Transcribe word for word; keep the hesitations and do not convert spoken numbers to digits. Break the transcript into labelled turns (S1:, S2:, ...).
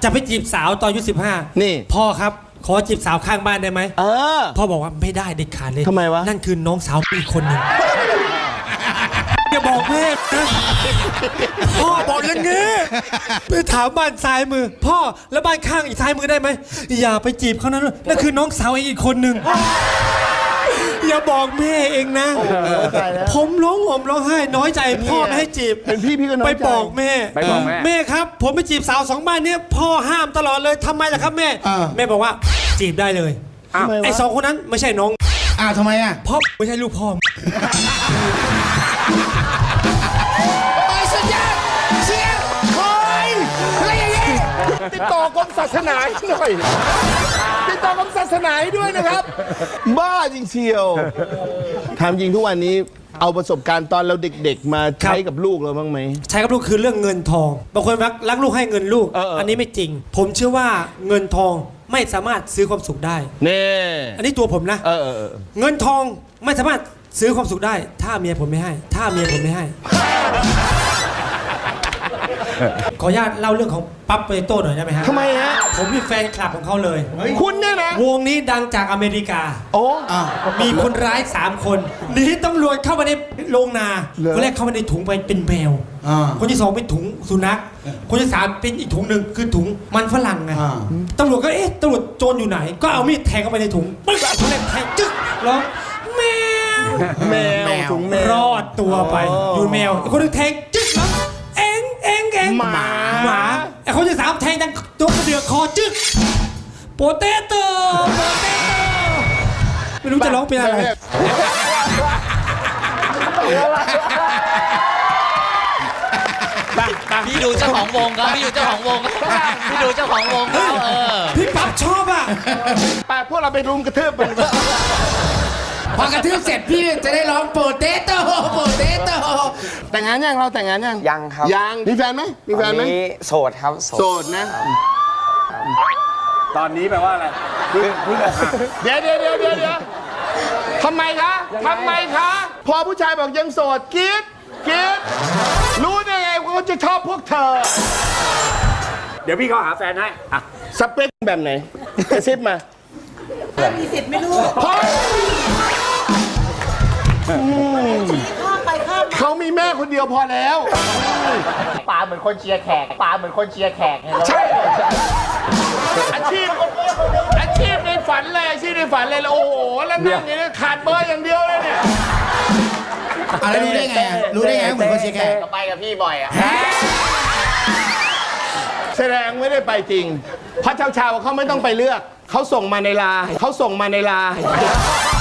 S1: จะไปจีบสาวตอนอายุสิบห้า
S2: นี่
S1: พ่อครับขอจีบสาวข้างบ้านได้ไหม
S2: เออ
S1: พ่อบอกว่าไม่ได้เด็ดขาดเลย
S2: ทำไมวะ
S1: นั่นคือน้องสาวอีกคนหนึ่งอย่าบอกแม่นะพ่อบอกอย่างงี้ไปถามบ้านซ้ายมือพ่อแล้วบ้านข้างอีกซ้ายมือได้ไหมอย่าไปจีบเขานั้นนั่นคือน้องสาวอีกคนหนึ่งอย่าบอกแม่เองนะผมร้องห่มร้องไห้น้อยใจพ่อไม่ให้จีบ
S2: เป็นพี่พี่ก็น้อยใจ
S1: ไปบอกแม่
S3: ไปบอกแม่
S1: แม่ครับผมไปจีบสาวสองบ้านนี้พ่อห้ามตลอดเลยทำไมล่ะครับแม่แม่บอกว่าจีบได้เลยไอ้สองคนนั้นไม่ใช่น้อง
S4: อ้าวทำไมอ่ะ
S1: พ่อไม่ใช่ลูกพ่อ
S4: โอ้ยสุดยอดเชียร์โอ้ยอะไรอย่างงี้ติดต่อกรมศาสนาหน่อยติดต่อกรมศาสนาด้วยนะครับ
S2: บ้าจริงเชียวถามจริงทุกวันนี้เอาประสบการณ์ตอนเราเด็กๆมาใช้กับลูกเราบ้างไหม
S1: ใช้กับลูกคือเรื่องเงินทองบางคนรักรักลูกให้เงินลูก
S2: เออ
S1: อันนี้ไม่จริงผมเชื่อว่าเงินทองไม่สามารถซื้อความสุขได้
S2: เน่
S1: อันนี้ตัวผมนะ
S2: เออเออ
S1: เงินทองไม่สามารถซื้อความสุขได้ ถ้าเมียผมไม่ให้ ถ้าเมียผมไม่ให้ ขออนุญาตเล่าเรื่องของปั๊บเปโต้หน่อยได้ไหมฮะ
S2: ทำไมฮะ
S1: ผมมีแฟนคลับของเขาเลย
S2: คุณเนี่ยนะ
S1: วงนี้ดังจากอเมริกา
S2: โอ้
S1: มีคนร้ายสามคนหนีตำรวจเข้ามาในโรงนาคนแรกเข้ามาในถุงไปเป็นแมวคนที่สองเป็นถุงสุนัขคนที่สามเป็นอีกถุงหนึ่งคือถุงมันฝรั่งไงตำรวจก็เอ๊ะตำรวจโจรอยู่ไหนก็เอามีดแทงเข้าไปในถุงปึ๊กคนแรกแทงจึ๊กร้องแมว
S2: แมวถุงแมว
S1: รอดตัวไปอยู่แมวคนนึงแทงจึ๊กร้องเอ็งเอ็งเอ็ง
S2: หมา
S1: หมาไอ้คนที่สามแทงดังตัวกระเดือกคอจึ๊กโปเตโต้โปเตโต้ไม่รู้จะร้องเป็นอะไร
S5: พี่ดูเจ้าของวงครับพี่ดูเจ้าของวงพี่ดูเจ้าของวงเขาเออ
S1: พี่ปั๊บชอบอ่ะ
S2: ไปพวกเราไปรุมกระทืบมัน
S4: พอกระทืบเสร็จพี่จะได้ร้องโปเตโต้โปเตโต้
S2: แต่งงานยังเราแต่งงานยัง
S3: ยังครับ
S2: ยังมีแฟนไหมมีแฟนไหม
S3: โสดครับ
S2: โสดนะ
S3: ตอนนี้แปลว่าอะไรเพิ่งอกหัก
S2: เดี๋ยวเดี๋ยวเดี๋ยวเดี๋ยวทำไมคะทำไมคะพอผู้ชายบอกยังโสดกรี๊ดกรี๊ดรู้ได้ไงว่าเขาจะชอบพวกเธอ
S3: เดี๋ยวพี่เขาหาแฟนให้อะ
S2: สเปคแบบไหนกระซิบมา
S6: มีสิทธิ์ไม่รู้
S2: เขามีแม่คนเดียวพอแล้ว
S5: ป๋าเหมือนคนเชียร์แขกป๋าเหมือนคนเชียร์แขก
S2: ใช่อาชีพอาชีพในฝันเลยอาชีพในฝันเลยโอ้โหแล้วนั่งอย่างนี้ขาดเบอร์อย่างเดียวเลยเนี่ย
S4: อะไรรู้ได้ไงรู้ได้ไงเหมือนคนเชียร์แขก
S5: ไปกับพี่บ่อยอ่ะ
S2: แสดงไม่ได้ไปจริงเพราะชาวๆเขาไม่ต้องไปเลือกเขาส่งมาในไลน์เขาส่งมาในไลน์